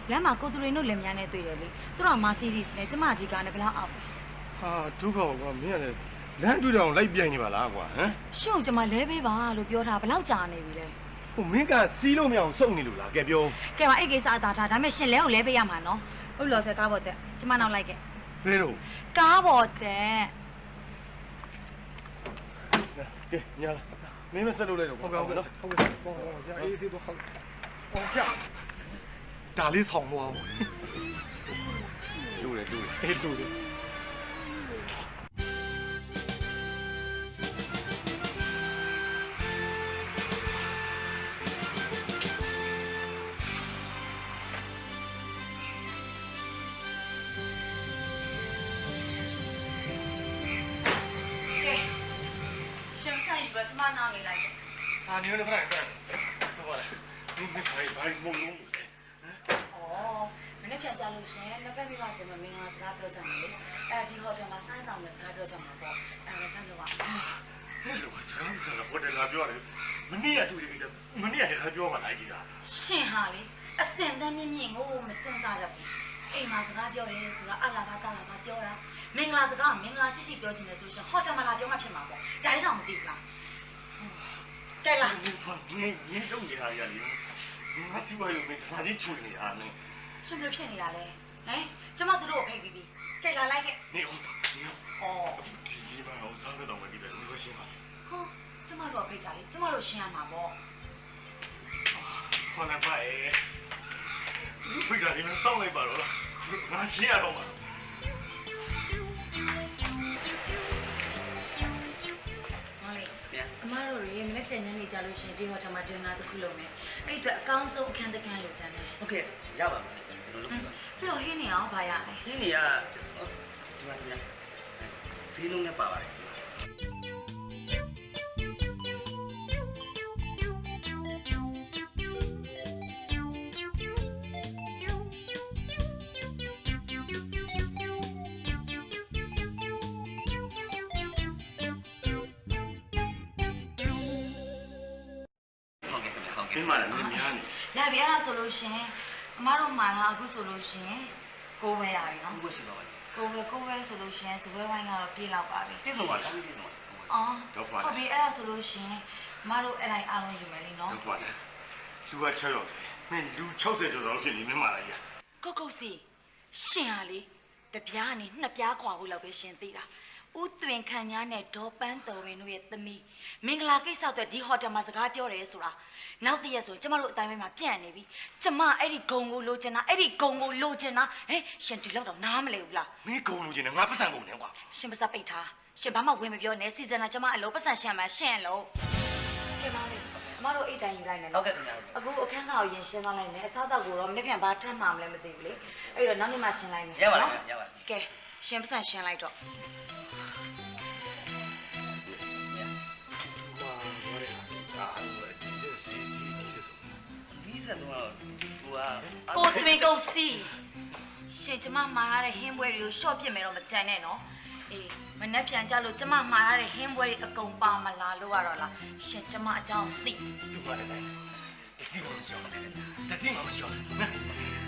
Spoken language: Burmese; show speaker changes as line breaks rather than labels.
လမ်းမှာကိုသူတွေတို့လင်မြန်းနဲ့တွေ့တယ်လေသူတို့ကမာစီးရီးစ်နဲ့ကျမဒီကားနဲ့ဘလောက်အောက်ပဲ
ဟာဒုက္ခကွာမင်းကလည်းလမ်းတွေ့တောင်လိုက်ပြိုင်နေပါလားကွာဟမ်
ရှင့်ကျမလဲပေးပါလို့ပြောတာဘလောက်ကြာနေပြီလဲ
ဟိုမင်းကစီးလို့မရအောင်စုံနေလို့လားကဲပြော
ကဲပါအဲ့ကိစ္စအသာထားဒါပေမဲ့ရှင်လဲကိုလဲပေးရမှာနော်ဟုတ်လို့ဆိုကားပေါ်တက်ကျမနောက်လိုက်ခဲ့
ဘယ်တော့
ကားပေါ်တက်
ကဲညာမင်းမဆက်လို့လိုက်တော့
ဟုတ်ကဲ့ဟုတ်ကဲ့ဆရာအေးစေးတော့ဟုတ်ဆရာဒါလေးဆောင်သွားအောင်
လူတယ်
အေးလူတယ်
ကျမနောက်နေလိုက်တယ်
။ဟာနေနေဖရိုင်ဖရိုင်။ဟုတ်ပါလား။ဒီဘာမုံလုံးလဲ
။အော်မနေ့ပြန်ကြလို့ရှင်နှစ်ဖက်မိဘဆိုမှမင်္ဂလာစကားပြောကြတယ်လေ။အဲဒီဟိုတယ်မှာဆိုင်းတောင်နဲ့စကားပြောကြမှာပေါ့။အဲဆန်းလို့ပါ။
ဟဲ့လို့စကားကတော့ဟိုတယ်လာပြောတယ်။မနေ့ကတူတယ်ကိစ္စမနေ့ကတခါပြောပါလားကိစ္စ
။ရှင်ဟာလေအစင်တန်းမြင့်မြင့်ကိုမစင်စားတတ်ဘူး။အိမ်မှာစကားပြောတယ်ဆိုတော့အလာဘာကလာဘာပြောတာ။မင်္ဂလာစကားမင်္ဂလာရှိရှိပြောချင်တယ်ဆိုရှင်ဟိုတယ်မှာလာပြောမှဖြစ်မှာပေါ့။ဒါလည်းတော့မသိဘူးလား။ကဲလာ
နင်းလုံးနေဟာရလေငါစီဝါရုံနဲ့စာကြီးချွေနေတာနဲ့
ရှင်ဘယ်ဖြစ်နေတာလဲဟမ်ကျမတို့ကိုဖိတ်ပြီးပြီကဲလာလိုက်ခဲ့
နေဦးအော်ဒီမှာအောင်စားတော့မပြီးတယ်လို့ရှင်းပါ
ဟောကျမတို့ဖိတ်တာလေကျမတို့ရှင်းရမှာပေါ့
ခေါ်နေပါရဲ့ဖိတ်တာဒီမှာစောင့်လိုက်ပါတော့ငါရှင်းရတော့မှာ
အမတို့ရေမနေ့ကညနေကြလို့ရှင်ဒီဟိုတယ်မှာဒင်နာတစ်ခုလုပ်မယ်အဲ့အတွက်အကောင်းဆုံးအခန်းတစ်ခန်းလိုချင်တယ်
ဟုတ်ကဲ့ရပါမယ်ကျွန်တော်လုပ်ပါ
ပြီးတော့ဟင်းနေအောင်ဗာရမယ်
ဟင်းနေကဒီမှာစီးလုံးနဲ့ပါပါတယ်
မင်းမလည်းနင်းများနေ
လာပြီအဲ့ဒါဆိုလို့ရှင်အမတို့မှလာအခုဆိုလို့ရှင်ကိုပဲရပြီနော်
ကိုပဲရှိပါပါ
ကိုပဲဆိုလို့ရှင်စပွဲဝိုင်းကတော့ပြေးလောက်ပါပြီ
ပြည့်စုံပါလားပြည့်စုံပါ
အော်ဟုတ်ပြီအဲ့ဒါဆိုလို့ရှင်အမတို့အဲ့တိုင်းအားလုံးယူမယ်လीနော်
ဟုတ်ပါတယ်လူက6ယောက်မင်းလူ60ကျော်တော့ဖြစ်နေမင်းမလာကြီး
ကုတ်စီရှင်ဟာလေတပြားကနေနှစ်ပြားခွာဖို့လောက်ပဲရှင်သိတာဦးသွင်ခန့်ညားနဲ့ဒေါ်ပန်းတော်ဝင်တို့ရဲ့သမီးမင်္ဂလာကိစ္စအတွက်ဒီဟိုတယ်မှာစကားပြောတယ်ဆိုတာနောက်တည့်ရက်ဆိုကျမတို့အတိုင်းမှာပြန့်နေပြီကျမအဲ့ဒီဂုံကိုလိုချင်တာအဲ့ဒီဂုံကိုလိုချင်တာဟဲ့ရှင်ဒီလောက်တော့နားမလဲဘူးလား
မင်းဂုံလိုချင်တယ်ငါပတ်စံဂုံနဲ့ကွာ
ရှင်ပါစပိတ်ထားရှင်ဘာမှဝင်မပြောနဲ့စီဇန်နာကျမအလုံးပတ်စံရှန်မှရှင်းလို့ကဲပါလေမတို့အိတ်တိုင်းယူလိုက်မယ်
နော်ဟုတ်ကဲ့ခင်ဗျာ
အခုအခန်းကောင်ရင်ရှင်းသွားလိုက်မယ်အစားတော့ကိုတော့မနေ့ပြန်ဘာထပ်မှမလဲမသိဘူးလေအဲ့တော့နောက်နေ့မှရှင်းလိုက်မယ်
ရပါလားရပါ
ကဲရှင်ပတ်စံရှင်းလိုက်တော့ကိုသွေးကုန်စီရှင်ကျမမှားရတဲ့ဟင်းပွဲတွေကိုရှော့ပြစ်မယ်တော့မကြမ်းနဲ့နော်အေးမနှက်ပြန်ကြလို့ကျမမှားရတဲ့ဟင်းပွဲတွေအကုန်ပါမလားလို့ရတော့လားရှင်ကျမအကြောင်းသိ
သူ့ပါလေတစီမှမရှိအောင်တစီမှမရှိအောင်